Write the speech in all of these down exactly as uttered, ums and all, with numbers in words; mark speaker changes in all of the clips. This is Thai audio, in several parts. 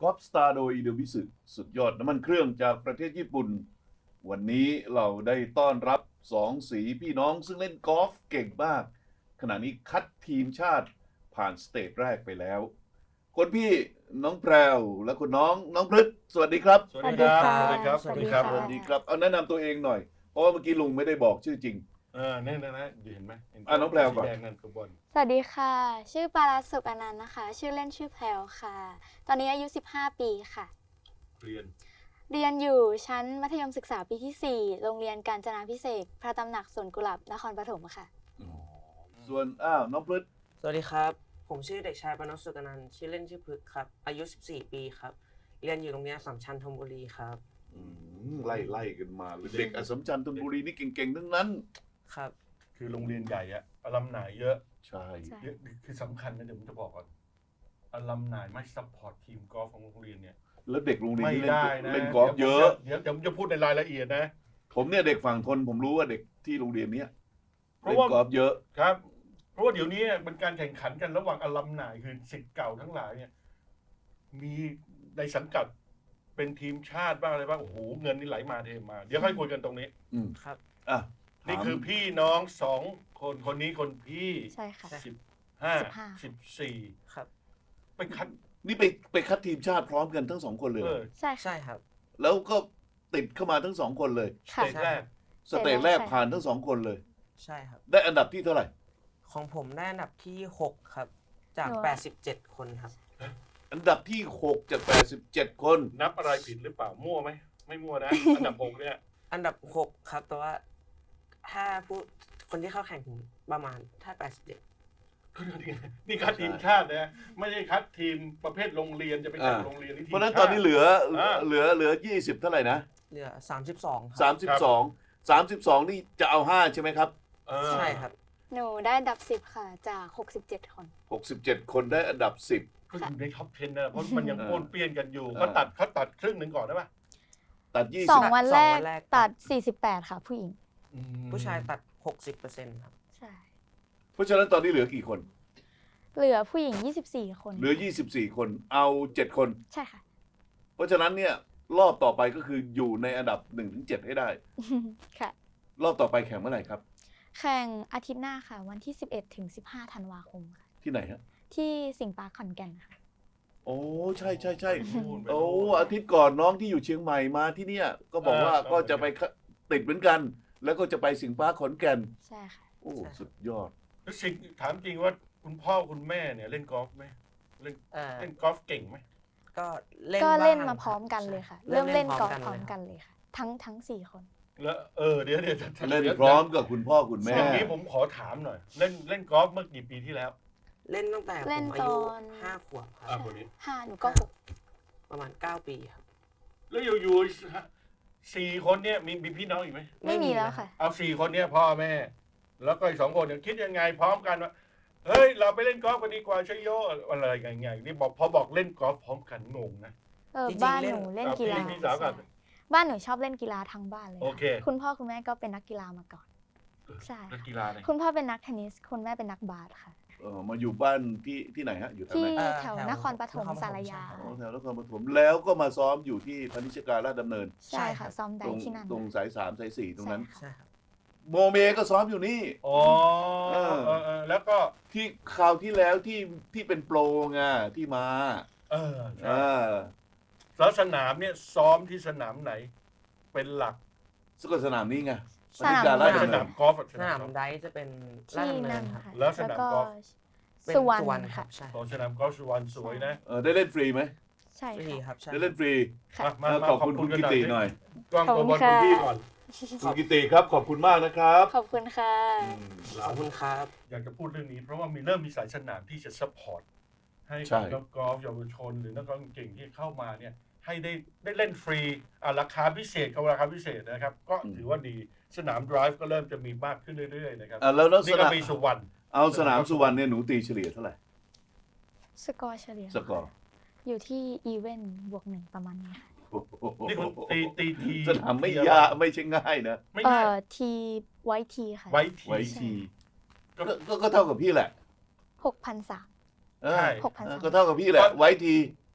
Speaker 1: อปสตาร์โดยอิเดวิสึสุดยอดน้ำมันเครื่องจากประเทศญี่ปุ่นวันนี้เราได้ต้อนรับสองสีพี่น้องซึ่งเล่นกอล์ฟเก่งมากขณะนี้คัดทีมชาติผ่านสเตจแรกไปแล้วคนพี่น้องแพรวและคุณน้องน้องพฤกษ์สวัสดีครับ
Speaker 2: สวัสดีครับ
Speaker 3: สวัสดีครับ
Speaker 2: สวัสดีครับ
Speaker 1: สวัสดีครับเอาแนะนำตัวเองหน่อยเพราะว่าเมื่อกี้ลุงไม่ได้บอกชื่อจริง
Speaker 2: เออเนี่ยนะนะเห็นไหมเห็น
Speaker 1: อ่ะน้องแพรวก่อน
Speaker 2: สีแดงนั่นข้างบน
Speaker 3: สวัสดีค่ะ ชื่อปาราสุกอนันต์นะคะ ชื่อเล่นชื่อแพลวค่ะ ตอนนี้อายุสิบห้าปีค่ะ
Speaker 2: เรียน
Speaker 3: เรียนอยู่ชั้นมัธยมศึกษาปีที่สี่โรงเรียนกาญจนาภิเษกพระตำหนักสวนกุหลาบนครปฐมค่ะ
Speaker 1: ส่วนอ้าวน้องพฤกษ์
Speaker 4: สวัสดีครับ ผมชื่อเด็กชายปนพสุกนันท์ชื่อเล่นชื่อพึกษ์ครับ อายุ สิบสี่ ปีครับ เรียนอยู่โรงเรียนอัสสัมชัญธนบุรีครับ
Speaker 1: อืมไล่ไล่กันมาเลยเด็กอัสสัมชัญธนบุรีนี่เก่งๆทั้งนั้น
Speaker 4: ครับ
Speaker 2: คือโรงเรียนใหญ่อะอลัมนายเยอะ
Speaker 1: ใช่
Speaker 3: ใช่
Speaker 2: เยอะคือสำคัญนะเดี๋ยวผมจะบอกก่อนอลัมนายไม่ซัพพอร์ตทีมกอล์ฟของโรงเรียนเนี่ย
Speaker 1: แล้วเด็กโรงเรียน
Speaker 2: ไม่
Speaker 1: ที่เล่น
Speaker 2: ได้นะ
Speaker 1: เล่นกอล์ฟเยอะ
Speaker 2: เดี๋ยวเดี๋ยวผมจะพูดในรายละเอียดนะ
Speaker 1: ผมเนี่ยเด็กฝั่งทนผมรู้ว่าเด็กที่โรงเรียนเนี้ย
Speaker 2: เพราะ
Speaker 1: เล่น
Speaker 2: ว่า
Speaker 1: กอล์ฟเยอะ
Speaker 2: ครับ เพราะว่าเดี๋ยวนี้เป็นการแข่งขันกันระหว่างอลัมนายคือศิษย์เก่าทั้งหลายเนี่ยมีในสังกัดเป็นทีมชาติบ้างอะไรบ้างโอ้โหเงินนี่ไหลมาเทมา เดี๋ยวค่อยคุยกันตรงนี้
Speaker 1: อืม
Speaker 4: ครับ
Speaker 1: อ่ะ
Speaker 2: นี่
Speaker 1: ถาม
Speaker 2: คือพี่น้องสองคนคนนี้คนพี่
Speaker 3: ใช่ค่ะ
Speaker 2: สิบห้า
Speaker 3: สิบห้า
Speaker 2: สิบสี่
Speaker 4: ครับ
Speaker 2: ไปคัด
Speaker 1: นี่ไปไปคัดทีมชาติพร้อมกันทั้งสองคนเลย
Speaker 2: เอ
Speaker 1: เหรอ
Speaker 2: อ
Speaker 3: ใช่ค่ะ
Speaker 4: ใช่ครับ
Speaker 1: แล้วก็ติดเข้ามาทั้งสองคนเลย
Speaker 2: ส
Speaker 3: ค่ะ
Speaker 2: เตจแรก
Speaker 1: สเตจแรกผ่านทั้งสองคนเลย
Speaker 4: ใช่ครับ
Speaker 1: ได้อันดับที่เท่าไหร่
Speaker 4: ของผมได้อันดับที่ หก ครับ จาก
Speaker 3: หนูอะ
Speaker 4: แปดสิบเจ็ด คนครับ
Speaker 1: อันดับที่หกจากแปดสิบเจ็ดคน
Speaker 2: นับอะไรผิดหรือเปล่ามั่วไหมไม่มั่วนะ อันดับหกเนี่ย
Speaker 4: อันดับ หก ครับ แต่ว่าถ้าผู้คนที่เข้าแข่งถึงประมาณถ้า แปดสิบเจ็ด
Speaker 2: ก็นี่ไงนี่คัดทีมชาตินะไม่ใช่คัดทีมประเภทโรงเรียนจะไปแข่ง
Speaker 1: อ่า
Speaker 2: โรงเรียนนี่ทีม
Speaker 1: เพราะฉะนั้น
Speaker 2: ชา
Speaker 1: ตอนนี้เหลือ
Speaker 2: อ่า
Speaker 1: เหลือเหลือยี่สิบเท่าไหร่นะ
Speaker 4: เหลือ สามสิบสอง ค
Speaker 1: สา
Speaker 4: รั
Speaker 1: มสิบสองสามสิบสองนี่จะเอาห้าใช่ไหมครับ
Speaker 2: เออ
Speaker 4: ใช่ครับ
Speaker 3: หนูได้อันดับสิบค่ะ จากหกสิบเจ็ดคน
Speaker 1: หกสิบเจ็ดคนได้อันดับสิบ
Speaker 2: ก็อยู่ในท็อปสิบนะเพราะมันยัง
Speaker 1: เออ
Speaker 2: โอนเปี้ยนกันอยู่
Speaker 1: เออ
Speaker 2: เขาตัดเขาตัดครึ่งหนึ่งก่อนได้ปะ
Speaker 1: ตัดยี่
Speaker 3: ส
Speaker 1: สิ
Speaker 3: อบ งวันแรก
Speaker 4: สองวันแรก
Speaker 3: ตัดสี่สิบแปดค่ะ ผู้หญิง
Speaker 2: อืม
Speaker 4: ผู้ชายตัด หกสิบเปอร์เซ็นต์ ครับ
Speaker 3: ใช่
Speaker 1: เพราะฉะนั้นตอนนี้เหลือกี่คน
Speaker 3: เหลือผู้หญิงยี่สิบสี่คน
Speaker 1: เหลือยี่สิบสี่คน เอาเจ็ดคน
Speaker 3: ใช่ค่ะ
Speaker 1: เพราะฉะนั้นเนี่ยรอบต่อไปก็คืออยู่ในอันดับหนึ่งถึงเจ็ดให้ได้
Speaker 3: ค่ะ
Speaker 1: รอบต่อไปแข่งเมื่อไหร่ครับ
Speaker 3: แข่งอาทิตย์หน้าค่ะ วันที่สิบเอ็ดถึงสิบห้าธันวาคมค่ะ
Speaker 1: ที่ไหนฮะ
Speaker 3: ที่สิงห์ปาร์คขอนแก่นค่ะ
Speaker 1: โอ้ใช่ใช่ใช่
Speaker 2: ไปนู่นไป
Speaker 1: โอ้
Speaker 2: นู่น
Speaker 1: อาทิตย์ก่อนน้องที่อยู่เชียงใหม่มาที่เนี่ย ก็บอกว่า
Speaker 2: เออ
Speaker 1: ก็จะไปติดเหมือนกัน แล้วก็จะไปสิงห์ปาร์คขอนแก่น
Speaker 3: ใช่ค่ะ
Speaker 1: โอ้
Speaker 4: ใช่
Speaker 1: สุดยอด
Speaker 2: แล้วสิ่งถามจริงว่าคุณพ่อคุณแม่เนี่ยเล่นกอล์ฟไหมเล่น
Speaker 4: เอ่อ
Speaker 2: เล่นกอล์ฟเก่งไหม
Speaker 4: ก็เล่น
Speaker 3: ก็เล่น
Speaker 4: บ้ง
Speaker 3: มาพร้อมกัน
Speaker 4: ใช่
Speaker 3: เลยค่ะ
Speaker 4: ใช่
Speaker 3: เริ่มเล่นกอล์ฟพร้อม
Speaker 4: เลย
Speaker 3: กันเลยค่ะ ทั้งทั้งสี่คน
Speaker 2: แล้วเออเดี๋ยวเดี๋ยว
Speaker 1: เล่น
Speaker 2: ดี๋ยว
Speaker 1: พร้อมกับคุณพ่อคุณแม่
Speaker 2: อย่างนี้ผมขอถามหน่อย เล่นเล่นกอล์ฟเมื่อกี่ปีที่แล้ว
Speaker 4: เล่นตั้งแต่ผ
Speaker 3: เล่น
Speaker 4: มอายุ
Speaker 3: ตอน
Speaker 4: ห้าขวบครั
Speaker 2: อ่า
Speaker 4: บ
Speaker 2: คนนี้
Speaker 3: ห้าหนูก็หก
Speaker 4: ประมาณเก้าปีครับ
Speaker 2: แล้วอยู่ๆสี่คนเนี่ยมีมีพี่น้องอีกไหม
Speaker 3: ไม่มีแล้วค่ะ
Speaker 2: เอาสี่คนเนี่ยพ่อแม่ แล้วก็อีกสองคนเนี่ยคิดยังไงพร้อมกันว่าเฮ้ยเราไปเล่นกอล์ฟกันดีกว่าใช่โยอะไรอย่างเงี้ยนี่บอกพอบอกเล่นกอล์ฟพร้อมกันงงนะ
Speaker 3: เออ
Speaker 4: จริงๆ
Speaker 3: บ้าน
Speaker 4: เล่
Speaker 3: ห
Speaker 4: น
Speaker 3: นูเล่น
Speaker 2: อ่ะ
Speaker 3: กีฬา
Speaker 2: พี่พี่สาวกับ
Speaker 3: ใช่บ้านหนูชอบเล่นกีฬาทั้งบ้านเลย
Speaker 2: โอเค
Speaker 3: คุณพ่อคุณแม่ก็เป็นนักกีฬามาก่อน ใช่
Speaker 2: นักกีฬาเลย
Speaker 3: คุณพ่อเป็นนักเทนนิส คุณแม่เป็นนักบาสค่ะ
Speaker 1: เออมาอยู่บ้านที่ที่ไหนฮะ อยู่แถว
Speaker 3: ที่
Speaker 1: ไหน
Speaker 4: เอ่อ
Speaker 3: แถว
Speaker 4: แถวน
Speaker 3: ครปฐม
Speaker 4: นครปฐม
Speaker 3: สารยา
Speaker 4: ใช่
Speaker 1: อ๋อแถวนครปฐมแล้วก็มาซ้อมอยู่ที่พนิชการราชดำเนิน
Speaker 3: ใช่ค่ะ ซ้อม
Speaker 1: ต
Speaker 3: ได้
Speaker 1: รง
Speaker 3: ที่นั่น
Speaker 1: ตรงสายสามสายสี่ตรงนั้น
Speaker 3: ใช่
Speaker 4: ใช่
Speaker 3: ค่ะ
Speaker 4: ครับ
Speaker 1: โมเมก็ซ้อมอยู่นี่
Speaker 2: อ๋อ
Speaker 1: เออ
Speaker 2: เออเออแล้วก็
Speaker 1: ที่คราวที่แล้วที่ที่เป็นโปรไงที่มา
Speaker 2: เออใช่
Speaker 1: อ่า
Speaker 2: แล้วสนามเนี่ยซ้อมที่สนามไหน เป็นหลัก
Speaker 1: สกลสนามนี้ไง
Speaker 3: สนาม
Speaker 1: พนิชการรา
Speaker 2: ไม่
Speaker 1: ช
Speaker 2: ส
Speaker 1: ดำเนิ
Speaker 2: นาน มกอล์ฟอะ
Speaker 4: สนามไดฟ์จะเป็นลาด
Speaker 3: ที่
Speaker 4: ดำเนิ
Speaker 3: นั่
Speaker 4: น
Speaker 3: น
Speaker 4: ครับ
Speaker 3: ค่ะ
Speaker 2: แล้วสนาม
Speaker 3: ก็
Speaker 2: กอล์ฟ
Speaker 4: เป็น
Speaker 3: สุวรร
Speaker 4: สุวรร
Speaker 3: ณ
Speaker 4: ณค
Speaker 3: ค่ะ
Speaker 4: รับใช่
Speaker 2: ของสนามกอล์ฟสุวรรณสวยนะ
Speaker 1: เออได้เล่นฟรีไหม
Speaker 3: ใช่
Speaker 4: ฟรี
Speaker 3: ค่ะ
Speaker 4: ครับใช่
Speaker 1: ได้เล่นฟรี
Speaker 3: ค่ะ
Speaker 2: มา
Speaker 1: เออ
Speaker 2: มา
Speaker 1: ขอบคุณคุณกิติหน่อย
Speaker 2: กล้อง
Speaker 3: ขอบ
Speaker 2: ตัว
Speaker 3: คุ
Speaker 2: บ
Speaker 3: ณ
Speaker 2: อลคุณ
Speaker 3: ค่ะ
Speaker 2: พี่ก่อน
Speaker 1: คุณกิติครับขอบคุณมากนะครับ
Speaker 3: ขอบคุณค่ะ
Speaker 4: ขอบคุณครับ
Speaker 2: อยากจะพูดเรื่องนี้เพราะว่ามีเริ่มมีสายสนามที่จะซัพพอร์ตให้
Speaker 1: ใช่
Speaker 2: กับนักกอล์ฟเยาวชนหรือนักกอล์ฟเก่งที่เข้ามาเนี่ยให้ได้ได้เล่นฟรีอ่ะราคาพิเศษกับราคาพิเศษนะครับ ก็ถือว่าดีสนามไดรฟ์ก็เริ่มจะมีมากขึ้นเรื่อยๆนะครับ
Speaker 1: อ่ะแล้วแล้วส
Speaker 2: นี่ก็
Speaker 1: นาม
Speaker 2: มีสุวรรณ
Speaker 1: เอาสนามสุวรรณเนี่ยหนูตีเฉลี่ยเท่าไหร่
Speaker 3: สกอร์เฉลี่ย
Speaker 1: สกอร์
Speaker 3: อยู่ที่อีเวนต์บวกหนึ่งประมาณนี้ค่ะ
Speaker 1: โอ้โห
Speaker 2: นี่คุณตีตีที
Speaker 1: สนามไม่ยากไม่ใช่ง่ายนะ
Speaker 2: ไม่
Speaker 3: เอ่
Speaker 2: ง่าย
Speaker 3: อทีไวทีค่ะ
Speaker 2: ไว้ที
Speaker 1: ไว้ทีก็ก็ก็เท่ากับพี่แหละ
Speaker 3: หกพันสาม
Speaker 1: เออ
Speaker 2: ใช่
Speaker 3: หกพัน
Speaker 1: เออ
Speaker 3: สาม
Speaker 1: ก็เท่ากับพี่แหละ ไว้ที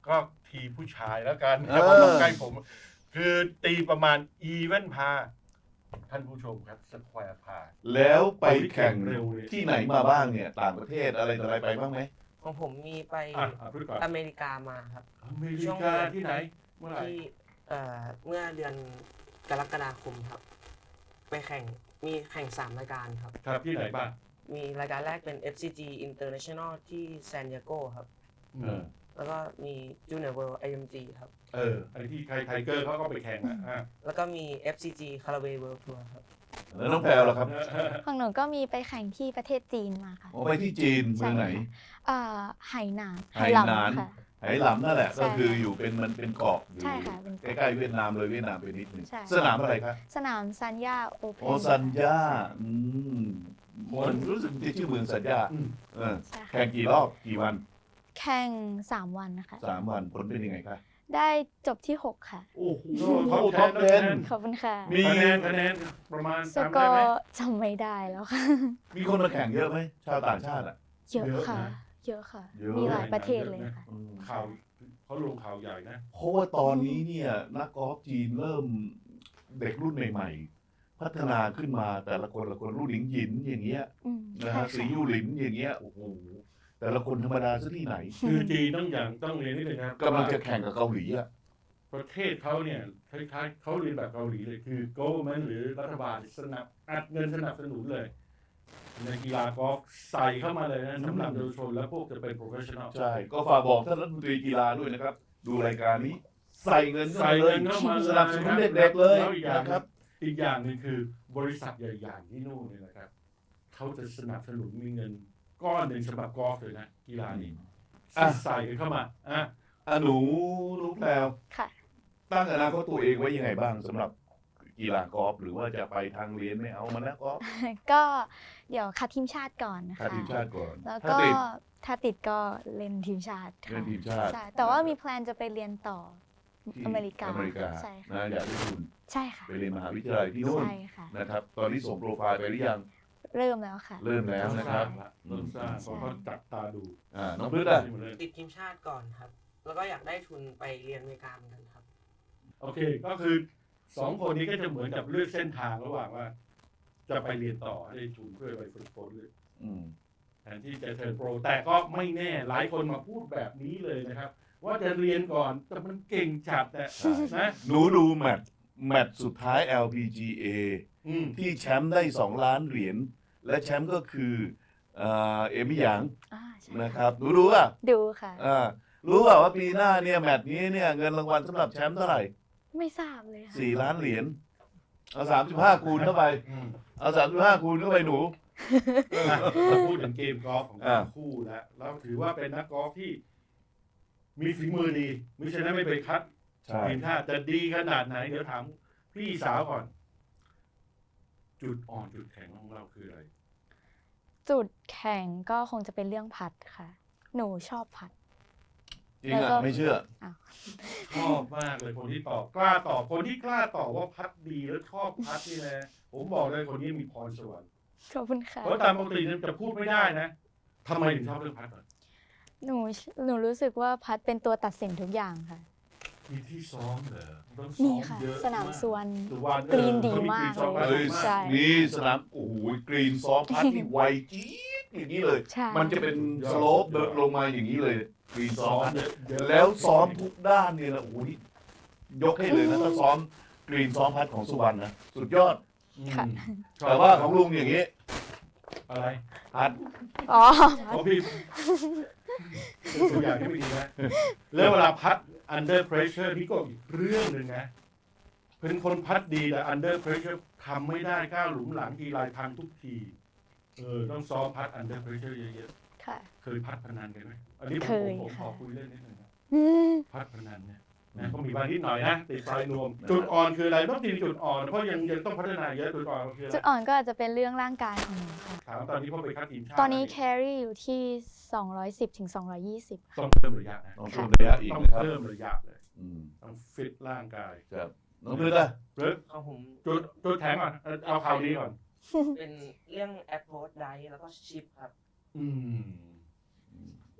Speaker 2: ก็ทีผู้ชายแล้วกัน
Speaker 1: เอ
Speaker 2: แต่
Speaker 1: อ
Speaker 2: ผมบอกใกล้ผม คือตีประมาณอีเวนพาท่านผู้ชมครับสแควร์พา
Speaker 1: แล้วไปแข่ง
Speaker 2: เร็วเลย
Speaker 1: ที่ไหนมาบ้างเนี่ย ต่างประเทศอะไรต่ออะไรไปบ้างไหม
Speaker 4: ของผมมีไป
Speaker 2: อ่ะอ่ะพูดก่อน
Speaker 4: อเมริกามาครับ
Speaker 2: อเมริกาที่ไหนเมื่อไหร่
Speaker 4: ที่เอ่อเมื่อเดือนกรกฎาคมครับ ไปแข่งมีแข่งสามรายการครับ
Speaker 2: ครับที่ไหนบ้าง
Speaker 4: มีรายการแรกเป็น เอฟ ซี จี International ที่ซานดิเอโกครับ
Speaker 2: เออ
Speaker 4: แล้วก็มี Junior World ไอ เอ็ม จี ครับ
Speaker 2: เออไอที่ไทไทเกอร์เขาก็ไปแข่งอ่ะอ่ะ
Speaker 4: แล้วก็มี เอฟ ซี จี Caraway World Tour ครับ
Speaker 1: แล้วน้องแพรวล่ะครับ
Speaker 3: ของหนูก็มีไปแข่งที่ประเทศจีนมาค่ะ
Speaker 1: อ๋อไปที่จีนเมืองไหน
Speaker 3: เอ่อไหหนาน
Speaker 1: ไหหนาน
Speaker 3: ค่ะ
Speaker 1: ไหหลำนั่นแหละ
Speaker 3: ใช่
Speaker 1: ก็คืออยู่เป็นมันเป็นเกาะอยู่
Speaker 3: ใช่ค่ะเป็น
Speaker 1: ใกล้ๆเวียดนามเลยเวียดนามไปนิดนึง
Speaker 3: ใช่
Speaker 1: สนามอะไรครับ
Speaker 3: สนามซันยาโอเพน
Speaker 1: โอซันยาอืมมันรู้สึกที่ชื่อเมืองซันยา
Speaker 2: อืม
Speaker 1: เออ
Speaker 3: ใช่
Speaker 1: แข่งกี่รอบกี่วัน
Speaker 3: แข่งสามวันนะคะ
Speaker 1: สามวันผลเป็นยังไงคะ
Speaker 3: ได้จบที่หกค่ะ
Speaker 1: โอ้โห
Speaker 2: ท็อป
Speaker 1: ท็อป
Speaker 2: เท
Speaker 1: เท
Speaker 2: น
Speaker 1: น
Speaker 3: ขอบคุณค่ะ
Speaker 1: มี
Speaker 2: คะแนนคะแนนประมาณ
Speaker 3: ส
Speaker 2: จำ
Speaker 3: ก
Speaker 2: ได้
Speaker 3: อ
Speaker 2: ไหม
Speaker 3: ร์จำไม่ได้แล้วค่ะ
Speaker 1: มีคนมาแข่งเยอะไหมชาวต่างชาติอ่ะ
Speaker 3: เยอะ
Speaker 2: เยอะ
Speaker 3: ค่ะ
Speaker 2: นะ
Speaker 3: เยอะค่ะ
Speaker 1: เยอะ
Speaker 3: มีหลายประเทศเลยค่ะ
Speaker 1: อืม
Speaker 2: ข่าวเขาลงข่าวใหญ่นะ
Speaker 1: เพราะว่าตอนนี้เนี่ยนักกอล์ฟจีนเริ่มเด็กรุ่นใหม่ๆ พัฒนาขึ้นมาแต่ละคนละคนรุ่นหลิงหยินอย่างเงี้ย
Speaker 3: อืม
Speaker 1: นะ
Speaker 3: ใช่
Speaker 1: ฮะ
Speaker 3: ค่ะ
Speaker 1: สียูหลินอย่างเงี้ยโอ้โหแต่ละคนธรรมดาซะที่ไหน
Speaker 2: คือจีนต้องอย่างต้องเรียนนิดนึงนะ
Speaker 1: กำลังจะแข่งกับเกาหลีอ่ะ
Speaker 2: ประเทศเขาเนี่ยคล้ายๆเขาเรียนแบบเกาหลีเลยคือ government หรือรัฐบาลสนับอัดเงินสนับสนุนเลย ในกีฬากอล์ฟใส่เข้ามาเลยนะสำหรับเยาวชนและพวกจะเป็น professional
Speaker 1: ใช่ ก็ฝากบอกท่านรัฐมนตรีกีฬาด้วยนะครับ ดูรายการนี้ ใส่เงินเข้า
Speaker 2: ใส่
Speaker 1: มาเล
Speaker 2: เงิ
Speaker 1: ย
Speaker 2: นเข้ามา
Speaker 1: สนับสนุนเด็กๆเลย
Speaker 2: แล้วอีกอย่าง
Speaker 1: นะครับ
Speaker 2: อีกอย่างหนึงคือบริษัทใหญ่ๆที่นู่นเนี่ยนะครับเขาจะสนับสนุนมีเงินก้อนหนึ่งสำหรับกอล์ฟเลยนะกีฬานี้
Speaker 1: อ่ะ
Speaker 2: ใส่เข้ามาอ่ะ
Speaker 1: อ่ะหนูหนูแพรว
Speaker 3: ค่ะ
Speaker 1: ตั้งอนาคตตัวเองไว้ยังไงบ้างสำหรับกีฬากอล์ฟหรือว่าจะไปทางเรียนไม่เอามันนะกอล์ฟ
Speaker 3: ก็เดี๋ยวคัดทีมชาติก่อนนะ
Speaker 1: คัด
Speaker 3: คะ
Speaker 1: ทีมชาติก่อน
Speaker 3: แล้ว
Speaker 1: ถ้า
Speaker 3: ก็
Speaker 1: ติด
Speaker 3: ถ้าติดก็เล่นทีมชาติค่ะ
Speaker 1: เล่นทีมชาติ
Speaker 3: ใช่แต่ว่ามีแพลนจะไปเรียนต่อ
Speaker 1: ที่
Speaker 3: อเมริกา
Speaker 1: อเมริกา
Speaker 3: ใช่ค่ะ
Speaker 1: นะอยากได้ทุน
Speaker 3: ใช่ค่ะ
Speaker 1: ไปเรียนมหาวิทยาลัยที่นู่น
Speaker 3: ใช่ค่ะ
Speaker 1: นะครับ ตอนนี้ส่งโปรไฟล์ไปหรือยัง
Speaker 3: เริ่มแล้วค่ะ
Speaker 1: เริ่มแล้วนะครับ
Speaker 2: เริ่มสร้างเพราะเขาจับตาดู
Speaker 1: อ่าน้องพฤกษ์อ่ะ
Speaker 4: ติดทีมชาติก่อนครับ แล้วก็อยากได้ทุนไปเรียนอเมริกาเหมือนกันครับ
Speaker 2: โอเคก็คือสองคนนี้ก็จะเหมือนกับเลือกเส้นทางระหว่างว่า จะไปเรียนต่อได้ทุนเพื่อไปฝึกฝนเลย
Speaker 1: อืม
Speaker 2: แทนที่จะเทิร์นโปรแต่ก็ไม่แน่หลายคนมาพูดแบบนี้เลยนะครับ ว่าจะเรียนก่อนแต่มันเก่งจัดแต่
Speaker 1: ใช่
Speaker 2: นะ
Speaker 1: หนูดูแมตช์แมตช์สุดท้าย แอล พี จี เอ
Speaker 2: อืม
Speaker 1: ที่แชมป์ได้สองล้านเหรียญและแชมป์ก็คือเอ่อเอมี่หยาง
Speaker 3: อ่าใช่
Speaker 1: นะครับหนูรู้ป่ะ
Speaker 3: ดูค่ะ
Speaker 1: อ่ารู้ป่ะว่าปีหน้าเนี่ยแมตช์นี้เนี่ยเงินรางวัลสำหรับแชมป์เท่าไหร่
Speaker 3: ไม่ทราบเลยค่ะ
Speaker 1: สี่ล้านเหรียญเอาสามสิบห้าคูณเข้าไป
Speaker 2: อืม
Speaker 1: เอาสามสิบห้าคูณเข้าไปหนู
Speaker 2: อ่ะเราพูดถึงเกมกอล์ฟของ
Speaker 1: อ่า
Speaker 2: ทั้งคู่แล้วเราถือว่าเป็นนักกอล์ฟที่ มีฝีมือดีไม่ใช่นั้นไม่ไปคัด
Speaker 1: ใช่
Speaker 2: ทีมชาติจะดีขนาดไหน เดี๋ยวถามพี่สาวก่อน จุดอ่อนจุดแข็งของเราคืออะไร
Speaker 3: จุดแข่งก็คงจะเป็นเรื่องพัดค่ะ หนูชอบพัด
Speaker 1: จริง
Speaker 3: แล้วก็
Speaker 1: อ่ะไม่เชื่อ
Speaker 2: ชอบมากเลยคนที่ตอบกล้าตอบคนที่กล้าตอบว่าพัดดีแล้วชอบพัดนี่นะผมบอกเลยคนนี้มีพรสวรรค์
Speaker 3: ขอบคุณค่ะ
Speaker 2: เพราะตามปกติเนี่ยจะพูดไม่ได้นะทำไมถึงชอบเรื่องพัดก่อน
Speaker 3: หนูหนูรู้สึกว่าพัดเป็นตัวตัดสินทุกอย่างค่ะ
Speaker 2: มีที่ซ้อมเหรอต้องซ้
Speaker 3: มี
Speaker 2: อม
Speaker 3: ค่ะ
Speaker 2: เยอะ
Speaker 3: สนามสวน
Speaker 2: สุวรรณ
Speaker 3: กรีนดี
Speaker 2: เออ
Speaker 3: มาก
Speaker 2: ข
Speaker 3: เลย
Speaker 1: เอ้ย
Speaker 2: กรีนซ้อม
Speaker 3: ใช่
Speaker 1: นี่สนามโอ้โหกรีนซ้อมพัดที่ไวจี๊ดอย่างนี้เลย
Speaker 3: ใช่
Speaker 1: มันจะเป็นสโลปเดินลงมาอย่างนี้เลยกรีนซ้
Speaker 2: ซ้
Speaker 1: อ
Speaker 2: อ
Speaker 1: ม
Speaker 2: ม
Speaker 1: พัด
Speaker 2: เยอะเยอะ
Speaker 1: แล้วซ้อมทุกด้านเนี่ยนะโอ้โหนี่ยกให้เลยนะถ้าซ้อมกรีนซ้อมพัดของสุวรรณนะสุดยอด
Speaker 2: อืม
Speaker 3: ค่ะ
Speaker 1: แต่ว่าของลุงอย่างนี้
Speaker 2: อะไร
Speaker 1: พัด
Speaker 3: อ๋อ
Speaker 2: ของพี่เป็นตัวอย่างที่ไม่ดีนะแล้วเวลาพัด under pressure นี่ก็อีกเรื่องหนึ่งนะเป็นคนพัดดีแต่ under pressure ทำไม่ได้ก้าวหลุมหลังทีไรพังทุกทีเออต้องซ้อมพัด under pressure เยอะ
Speaker 3: ค่ะ
Speaker 2: ๆเคยพัดพนันกันไหมอันนี้ผม
Speaker 3: เคย
Speaker 2: ผมขอ
Speaker 3: ค่ะ
Speaker 2: คุยเรื่องนิดหนึงนะ
Speaker 3: อืม
Speaker 2: พัดพนันเนี่ยนะก็มีบางนิดหน่อยนะติดไฟนวม จุดอ่อนคืออะไรต้องทีจุดอ่อนเพราะยังยังต้องพัฒนาเยอะจุดอ่อนคืออะไร
Speaker 3: จุดอ่อนก็อาจจะเป็นเรื่องร่างกายของหนูค่ะ
Speaker 2: ถามตอนนี้พ่อไปคัดทีมชาติ
Speaker 3: ตอนนี้แครี่อยู่ที่สองร้อยสิบถึงสองร้อยยี่สิบ
Speaker 2: ต้องเพิ่มระยะนะ
Speaker 1: ต้องเพิ่มระยะอีก
Speaker 2: ต้อง
Speaker 1: นะครับ
Speaker 2: เพิ่มระยะเลย
Speaker 1: อืม
Speaker 2: ต้องฟิตร่างกาย
Speaker 1: ครับน้องพฤกษ์อ่ะ
Speaker 2: หรือ
Speaker 4: ของผม
Speaker 2: จุดจุดแข็งก่อนเอาเอาข่าวนี้ก่อน
Speaker 4: เป็นเรื่อง approach dive แล้วก็ chip ครับ
Speaker 2: อืม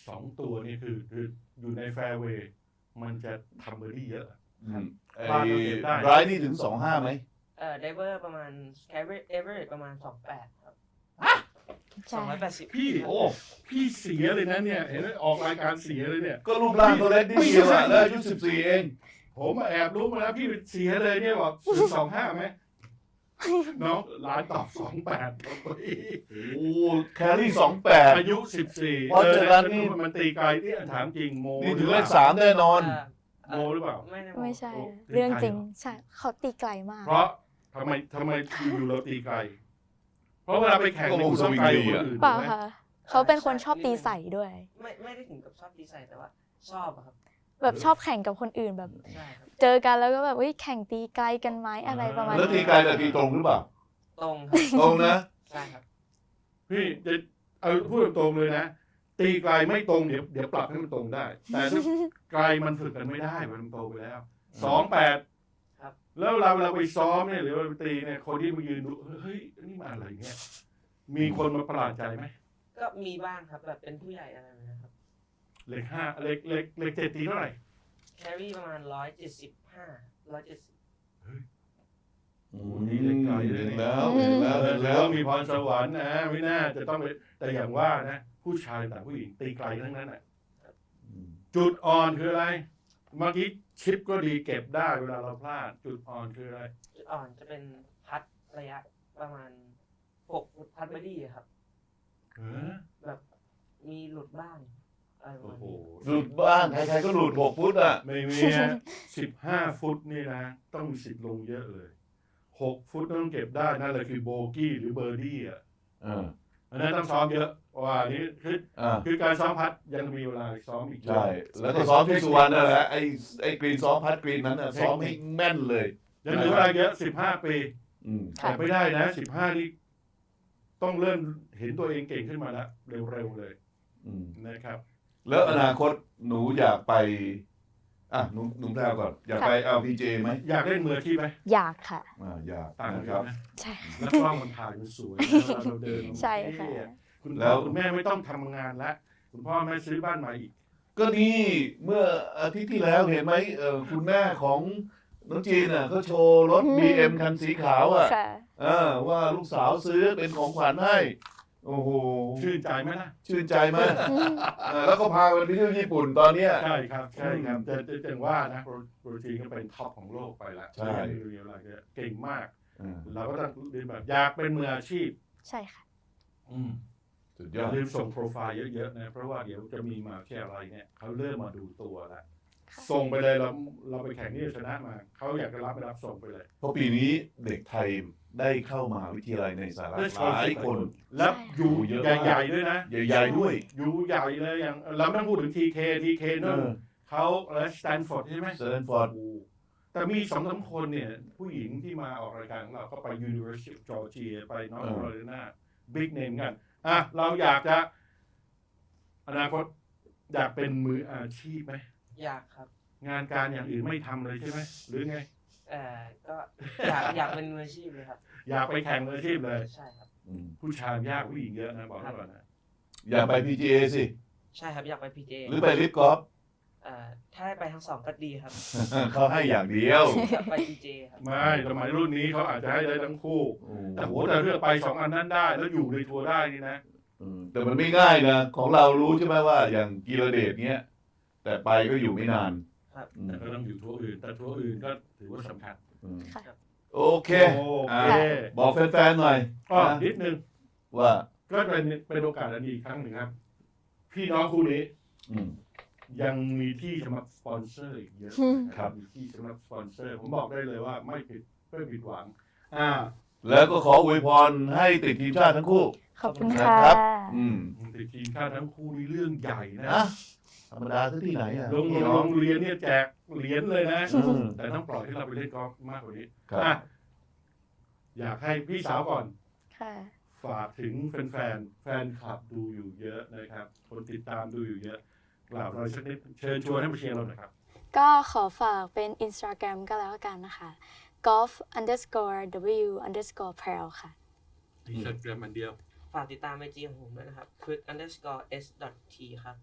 Speaker 2: สองตัวนี่คือคืออยู่ในแฟร์เวย์มันจะทำเบอร์ดี้เยอะ
Speaker 1: อืมไอ้
Speaker 2: บ้านเราเก็บได้
Speaker 1: ไรนี่ถึงสองห้าไหม
Speaker 4: เอ่อไดเวอร์ประมาณแคเวเอเวอร์ประมาณสองแปดครับส
Speaker 3: ใช่
Speaker 4: องร้อยแปดสิบ
Speaker 2: พี่โอ้พี่เสียเลยนะเนี่ยเห็นไหมออกรายการเสียเลยเนี่ย
Speaker 1: ก็รูปร่างตัวเล็กนิดเดียวอะแล้วอายุสิบสี่เอง
Speaker 2: ผมแอบรู้มาแล้วพี่เสียเลยเนี่ยบอกศูนย์สองห้าไหมน้องร้านตอบสองแปด
Speaker 1: โอ้แครี่สองแปด
Speaker 2: อายุสิบสี่
Speaker 1: เพราะฉะนั้นนี่
Speaker 2: มันตีไกลที่ถามจริงโม
Speaker 1: นี่ถึงเลขสามแน่นอน
Speaker 4: เอ่อ
Speaker 2: โมหรือเปล่า
Speaker 4: ไม่ได้
Speaker 3: ไม่ใช่
Speaker 2: โอ้
Speaker 3: เรื่องจริง
Speaker 2: ตีไกลเหรอ
Speaker 3: ใช่เขาตีไกลมาก
Speaker 2: เพราะทำไมทำไมอยู่เราตีไกล เพราะเวลาไปแข่ง
Speaker 1: ก็วงสวิง
Speaker 2: ไกล
Speaker 1: ดี
Speaker 2: กว่า
Speaker 1: อะ
Speaker 2: คนอื่น
Speaker 3: เปล่า
Speaker 2: ถูกไหม
Speaker 3: ค่ะ เขาเป็นคนชอบตีใส่ด้วย
Speaker 4: ไม่ไม่ได้ถึงกับชอบตีใส่แต่ว่าชอบอะครับ
Speaker 3: แบบชอบแข่งกับคนอื่นแบบ
Speaker 4: ใช่ครับ
Speaker 3: เจอกันแล้วก็แบบเฮ้ยแข่งตีไกลกันไหมอะไรประมาณ
Speaker 1: แล้วตี
Speaker 3: นี้
Speaker 1: ไกลแต่ตีตรงหรือเปล่า
Speaker 4: ตรงครับ
Speaker 1: ตรงนะ
Speaker 4: ใช่ครับ
Speaker 2: พี่จะเอาพูดตรงๆเลยนะ ตีไกลไม่ตรงเดี๋ยวเดี๋ยวปรับให้มันตรงได้ แต่ถ้าไกลมันฝึกกันไม่ได้มันโตไปแล้วสองแปด
Speaker 4: ครับ
Speaker 2: แล้วเราเราไปซ้อมเนี่ยหรือว่าไปตีเนี่ยคนที่มายืนดูเฮ้ยนี่มาอะไรเนี่ยมีคนมาประหลาดใจไหม
Speaker 4: ก็มีบ้างครับแบบเป็นผู้ใหญ่อะไรแบบนะครับ
Speaker 2: เลขห้าเลขเลขเลขเจ็ดตีเท่าไหร่
Speaker 4: แครี่ประมาณร้อยเจ็ดสิบห้าร้อยเจ็ดสิบ
Speaker 1: อืมเห็นแล้วเห็นแล้ว
Speaker 2: เอ
Speaker 1: เห็
Speaker 2: อน แล้
Speaker 1: แล้ว ว
Speaker 2: มีพรสวรรค์นะไม่น่าจะต้องไปแต่อย่างว่านะผู้ชายแต่ผู้หญิงตีไกลทั้งนั้นน่ะจุดอ่อนคืออะไรเมื่อกี้ชิปก็ดีเก็บได้เวลาเราพลาด จุดอ่อนคืออะไร
Speaker 4: จุดอ่อนจะเป็นพัดระยะประมาณหกฟุตพัดบอดี้ครับ
Speaker 2: เออ
Speaker 4: แบบมีหลุดบ้างอะไรประ
Speaker 2: โอ้
Speaker 4: มาณ
Speaker 2: โห
Speaker 4: นี้
Speaker 1: หลุดบ้างใครๆก็หลุดหกฟุตอ่ะ
Speaker 2: ไม่มีสิบห้าฟุตนี่นะ ต้องมีสิทธิ์ลงเยอะเลยหกฟุตต้องเก็บได้นั่นแหละคือโบกี้หรือเบอร์ดี้อ่ะ
Speaker 1: อ่า
Speaker 2: อันนั้นต้องซ้อมเยอะว่าอันนี้คือ
Speaker 1: อ่า
Speaker 2: คือการซ้อมพัดยังมีเวลาซ้อมอีกเยอะ
Speaker 1: ใช่ แล้วก็ซ้อมที่สุวรรณนั่นแหละไอ้ไอ้กรีนซ้อมพัดกรีนนั้นน่ะซ้อมให้แม่นเลย
Speaker 2: ยังเหลือเวลาเยอะสิบห้าปี
Speaker 1: อืม
Speaker 3: ค่ะ
Speaker 2: แต่ไม่ได้นะสิบห้านี่ต้องเริ่มเห็นตัวเองเก่งขึ้นมาแล้วเร็วๆเลย
Speaker 1: อืม
Speaker 2: นะครับ
Speaker 1: แล้วอนาคตหนูอยากไป อ่ะหนูหนูแพรวก่อน อยากไปเอาพีเจไหม
Speaker 2: อยากเล่นมืออาชีพไหม
Speaker 3: อยากค่ะ
Speaker 1: อ่าอยาก
Speaker 2: ต่างกัน
Speaker 1: นะ
Speaker 2: เย
Speaker 1: ครับ
Speaker 2: อะนะ
Speaker 3: ใช่ค่ะ
Speaker 2: แล้วกล้องมันถ่ายมันสวยนะเวลาเราเดิน
Speaker 3: ใช่ค่ะ
Speaker 2: เท่อคุณ
Speaker 1: แล้
Speaker 2: พ่อ
Speaker 1: ว
Speaker 2: คุณแม่ไม่ต้องทำงานแล้วคุณพ่อแม่ซื้อบ้านใหม่อีก
Speaker 1: ก็นี่เมื่ออาทิตย์ที่แล้วเห็นไหมเออคุณแม่ของน้องจีนอ่ะเขาโชว์รถ
Speaker 3: อืม
Speaker 1: บี เอ็ม คันสีขาวอ่ะ
Speaker 3: ค่ะ
Speaker 1: เออว่าลูกสาวซื้อเป็นของขวัญให้ โอ้โห
Speaker 2: ชื่นใจไหมล่ะ
Speaker 1: ชื่นใจมากเออแล้วก็พาไปเที่ยวญี่ปุ่นตอนเนี้ย
Speaker 2: ใช่ครับใช่ครับแต่แต่แต่ว่านะโปรโปรตีนก็เป็นท็อปของโลกไปแล้ว
Speaker 1: ใช่
Speaker 2: เรียลอะไรเนี่ยเก่งมาก
Speaker 1: อ่า
Speaker 2: เราก็ต้องเรียนแบบอยากเป็นมืออาชีพ
Speaker 3: ใช่ค่ะ
Speaker 2: อืม
Speaker 1: สุด
Speaker 2: อย ย่า
Speaker 1: อด
Speaker 2: ลืมส่งโปรไฟล์เยอะๆนะเพราะว่าเดี๋ยวจะมีมหาวิทยาลัยเนี่ยเขาเริ่มมาดูตัวแล้ว
Speaker 3: ค่ะ
Speaker 2: ส่งไปเลยเราเราไปแข่งนี่ชนะมาเขาอยากจะรับไม่รับส่งไปเลย
Speaker 1: เพราะปีนี้เด็กไทยได้เข้ามหาวิทยาลัยในสหรัฐหลายคน
Speaker 2: แล้วอยู่
Speaker 1: เยอะมาก
Speaker 2: ใหญ่ๆด้วยนะ
Speaker 1: ใหญ่ๆด้วย
Speaker 2: อยู่ใหญ่เลยอย่างเราไม่ต้องพูดถึงทีเคทีเค
Speaker 1: เอ
Speaker 2: นู่น
Speaker 1: อ
Speaker 2: เขาและสแตนฟอร์ดใช่ไหม
Speaker 1: สแตนฟอร์ด
Speaker 2: โอ้แต่มีสองสามคนเนี่ย ผู้หญิงที่มาออกรายการของเราก็ไป University of Georgia ไปนอร์ท
Speaker 1: เออ
Speaker 2: แคโรไลนาบิ๊กเนมกัน อ่ะ เราอยากจะ อนาคตอยากเป็นมืออาชีพไหม
Speaker 4: อยากครับ
Speaker 2: งานการอย่างอื่นไม่ทำเลยใช่ไหม หรือไง
Speaker 4: เอ่อก็อยากอยากเป็นมืออาชีพเลยครับ
Speaker 2: อยากไปแข่งมืออาชีพเลย
Speaker 4: ใช่ครับ
Speaker 1: อืม
Speaker 2: ผู้ชายยากผู้หญิงเยอะนะ บอกให้ก่อนนะ
Speaker 1: อยากไป พี จี เอ สิ
Speaker 4: ใช่ครับอยากไปพีเจ
Speaker 1: หรือไปลิฟกอล์ฟ
Speaker 4: เอ่อถ้าได้ไปทั้งสองก็ดีครับ
Speaker 1: เขาให้อย่างเดียว
Speaker 4: อยากไปพีเจครับ
Speaker 2: ไม่สมัยรุ่นนี้เขาอาจจะให้ได้ทั้งคู่
Speaker 1: โอ้
Speaker 2: แต่โหแต่เลือกไปสองอันนั้นได้ แล้วอยู่ในทัวร์ได้นี่นะ
Speaker 1: อืมแต่มันไม่ง่ายนะ ของเรารู้ใช่ไหมว่าอย่างกีรเดชเนี้ย แต่ไปก็อยู่ไม่นาน
Speaker 4: ครับ
Speaker 1: อืม
Speaker 2: แต่ก็ต้องอยู่ทัวร์อื่น แต่ทัวร์อื่นก็ถือว่าสำคัญ
Speaker 1: อืม
Speaker 3: ค่ะ
Speaker 1: โอเค
Speaker 2: โอ
Speaker 1: อ่า
Speaker 2: เค
Speaker 1: บอกแฟนๆหน่อย
Speaker 2: ก็
Speaker 1: นะ
Speaker 2: นิดนึง
Speaker 1: ว่า
Speaker 2: ก็เป็นเป็นโอกาสอันดีอีกครั้งหนึ่งครับ พี่น้องคู่นี้
Speaker 1: อืม
Speaker 2: ยังมีที่สำหรับสปอนเซอร์อีกเยอะ
Speaker 3: อืม
Speaker 2: นะครับมีที่สำหรับสปอนเซอร์ ผมบอกได้เลยว่าไม่ผิดไม่ผิดหวัง อ่า
Speaker 1: แล้วก็ขออวยพรให้ติดทีมชาติทั้งคู่
Speaker 3: ขอบคุณ
Speaker 1: นะ
Speaker 3: ค่ะ
Speaker 1: ครับ อืม
Speaker 2: ติดทีมชาติทั้งคู่นี่เรื่องใหญ่นะ
Speaker 1: นะธรรมดาที่ไหนอ่ะ
Speaker 2: โรง
Speaker 1: พี่
Speaker 2: โร
Speaker 1: น้อง
Speaker 2: งเรียนเนี่ยแจกเหรียญเลยนะ
Speaker 1: อืม
Speaker 2: แต่ต้องปล่อยให้เราไปเล่นกอล์ฟมากกว่านี้
Speaker 1: ครับ
Speaker 2: อ่ะอยากให้พี่สาวก่อน
Speaker 3: ค่ะ
Speaker 2: ฝากถึงแฟนๆ แฟนคลับดูอยู่เยอะนะครับ คนติดตามดูอยู่เยอะ กล่าวอะไรสักนิดเชิญชวนให้มาเชียร์เราหน่อยครับ
Speaker 3: ก็ขอฝากเป็น Instagram ก็แล้วกันนะคะ golf underscore w underscore pearl ค่ะ
Speaker 2: อินสตาแกรมอันเดียว
Speaker 4: ฝากติดตามไอจีของผมด้วยนะครับ quick underscore s dot t ครับ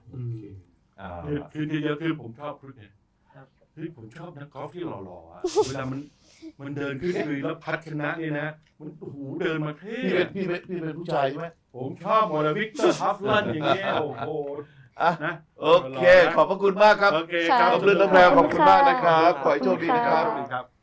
Speaker 2: อืม
Speaker 1: อ่า
Speaker 2: คือคือเดียวคือผมชอบพรุษเนี่ย
Speaker 4: ครับ
Speaker 2: คือผมชอบนักกอล์ฟที่หล่อๆอ่ะ เวลามันมันเดินขึ้นลุยแล้วพัดชนะเนี่ยนะ มันโอ้โหเดินมาเท่
Speaker 1: พี่เป็นพี่เป็นพี่เป็นผู้ชายใช่ไหม
Speaker 2: ผมชอบหมดเลยวิกเตอร์ฮัฟลันอย่างเงี้ยโอ้โห
Speaker 1: อ่ะ
Speaker 2: นะ
Speaker 1: โอเค ขอบพระคุณมากครับ
Speaker 2: โอเคครับ
Speaker 1: ขอบคุณน้ำแพรวขอบคุณมากนะครับ ขอให้โชคดีนะครับ
Speaker 2: สวัสดีครับ